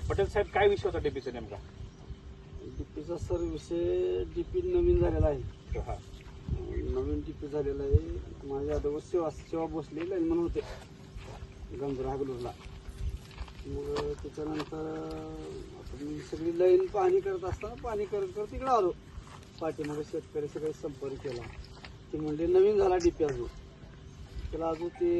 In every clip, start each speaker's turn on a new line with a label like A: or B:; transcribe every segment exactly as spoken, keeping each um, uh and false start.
A: पटेल साहेब, काय विषय होता डीपीचा नेमका?
B: डीपीचा सर विषय डीपी नवीन झालेला आहे.
A: हा.
B: नवीन डीपी झालेला आहे. माझ्या अगोदर सेवा सेवा भोसले लाईनमन होते गंजरा हागलूरला. मग त्याच्यानंतर आता मी सगळी लाईन पाहणी करत असताना पाणी करत करत तिकडे आलो. पाठीमागे शेतकरी सगळे संपर्क केला. ते म्हणजे नवीन झाला डीपी अजून त्याला अजून ते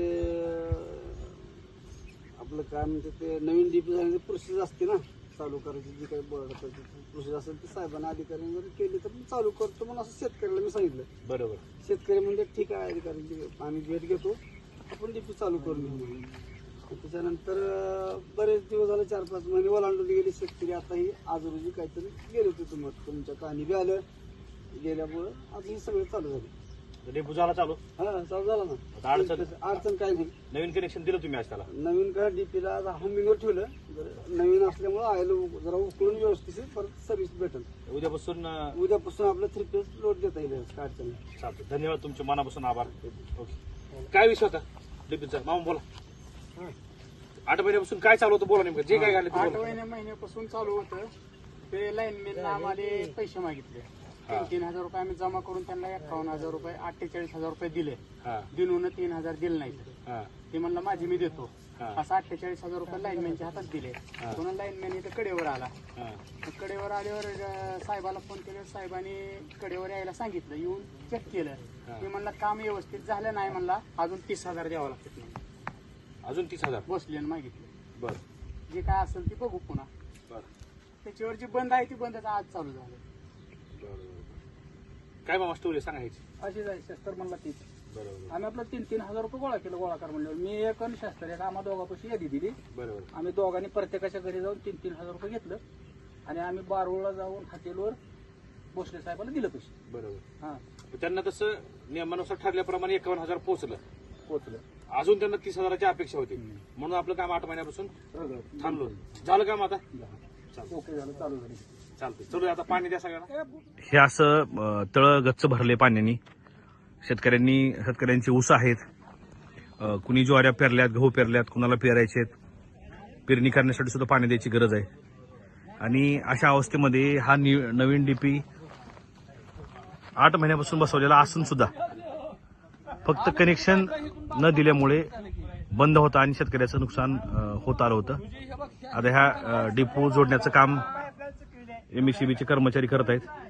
B: आपलं काय म्हणते ते नवीन डीपी झाल्याची प्रोसेस असते ना चालू करायची, जी काही बोर्ड प्रोसेस असेल ती साहेबांना अधिकाऱ्यांनी जर केली तर मी चालू करतो म्हणून असं शेतकऱ्याला मी सांगितलं. बरोबर. शेतकरी म्हणजे ठीक आहे अधिकारी, आम्ही भेट घेतो, आपण डीपी चालू करून घेऊ म्हणून. त्याच्यानंतर बरेच दिवस झाले, चार पाच महिने ओलांडून गेले शेतकरी. आता ही आज रोजी काहीतरी गेले होते तुम्हाला तुमच्या कहाणी बी आलं गेल्यामुळं आज ही सगळं चालू झालं.
A: डेपो झाला चालू?
B: हा चालू झाला ना.
A: अडचण
B: अडचण काय नाही.
A: नवीन कनेक्शन दिलं तुम्ही आज त्याला?
B: नवीन काय डीपीला हमिंगवर ठेवलं. नवीन असल्यामुळे आयला जरा उकळून व्यवस्थित परत सर्व्हिस भेटेल.
A: उद्यापासून
B: उद्यापासून आपलं थ्री फेज लोड देता येईल. काय अडचण नाही.
A: चालतं. धन्यवाद, तुमचे मनापासून आभार. ओके. काय विषय होता डीपीचा? मामा बोला. आठ महिन्यापासून काय चालू होतं बोला नेमकं, जे काय झालं?
C: आठ महिन्या महिन्यापासून चालू होतं. ते लाईनमॅन आम्हाला पैसे मागितले. तीन तीन हजार रुपये आम्ही जमा करून त्यांना एकावन्न हजार रुपये अठ्ठेचाळीस हजार रुपये दिले. दिनून तीन हजार दिले नाही. ते म्हणलं माझी मी देतो. असं अठ्ठेचाळीस हजार रुपये लाईनमॅनच्या हातात दिले. पुन्हा लाईनमॅन इथं कडेवर आला. कडेवर आल्यावर साहेबाला फोन केले. साहेबांनी कडेवर यायला सांगितलं. येऊन चेक केलं. मी म्हणलं काम व्यवस्थित झालं नाही. म्हणला अजून तीस हजार द्यावं लागतं.
A: अजून तीस हजार
C: बसले मागितले.
A: बर.
C: जे काय असेल ते बघू पुन्हा. त्याच्यावर जी बंद आहे ती बंदच आज चालू झालं.
A: काय मामा स्टोरी सांगायची?
C: अशी जाय शस्त्र म्हणला तीच.
A: बरोबर.
C: आम्ही आपलं तीन तीन हजार रुपये गोळा केलं. गोळा कर म्हणल्यावर मी एक आणि शस्त्र एक आम्हा दोघांपाशी यादी दिली.
A: बरोबर.
C: आम्ही दोघांनी प्रत्येकाच्या घरी जाऊन तीन तीन हजार रुपये घेतलं आणि आम्ही बारूळला जाऊन हॉटेलवर भोसले साहेबाला दिलं पैसे.
A: बरोबर.
C: हा
A: त्यांना तसं नियमानुसार ठरल्याप्रमाणे एकावन्न हजार पोहोचलं.
C: पोचलं.
A: अजून त्यांना तीस हजाराची अपेक्षा होती म्हणून आपलं काम आठ महिन्यापासून थांबलो. झालं काम आता?
C: ओके झालं, चालू झाली.
A: चालतं. चलो आता पाणी द्या सगळ्यांना.
D: हे असं तळ गच्च भरले पाण्याने. शेतकऱ्यांनी शेतकऱ्यांचे ऊस आहेत, कुणी ज्वाऱ्या पेरल्यात, गहू पेरल्यात, कुणाला पेरायचे आहेत. पेरणी करण्यासाठी सुद्धा पाणी द्यायची गरज आहे. आणि अशा अवस्थेमध्ये हा नवीन डीपी आठ महिन्यापासून बसवलेला असून सुद्धा फक्त कनेक्शन न दिल्यामुळे बंद होता आणि शेतकऱ्याचं नुकसान होत आलं होतं. आता ह्या डिपो जोडण्याचं काम एमएससीबीचे कर्मचारी करत आहेत.